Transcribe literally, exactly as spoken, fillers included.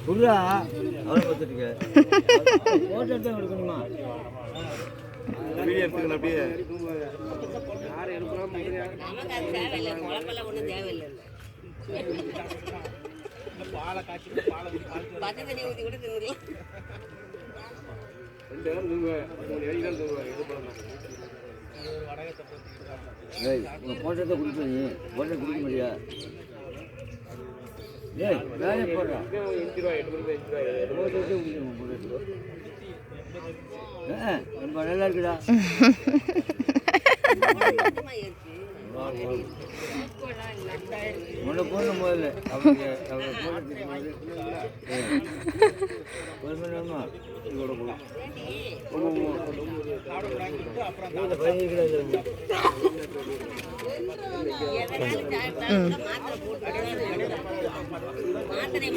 புரியா அவரை பார்த்துட்டு போட்டோ எடுத்து எடுக்கணுமா வீடியோ எடுத்துக்கணும் அப்படியே யாரும் எடுக்கலாம் ஒன்றும் தேவையில்லை பாலை காய்ச்சி பாலை பச்சை தண்ணி ஊற்றி கூட தின்னுக்கலாம் ரெண்டு நேரம் தூங்குவேன் மூணு ஏழு தூங்குவேன் இது பண்ணலாம் போட்டத்தை குடிச்சு நீ போட்டோ குடிக்க முடியா ஏய் வேலையை போடுறா எட்டு ரூபா எட்டு ரூபாய் எட்டு ரூபாய் ரொம்ப நல்லா இருக்குடா உன்னை போடணும் முதல்ல அவங்க அவங்க போடுமா இதோட போடும்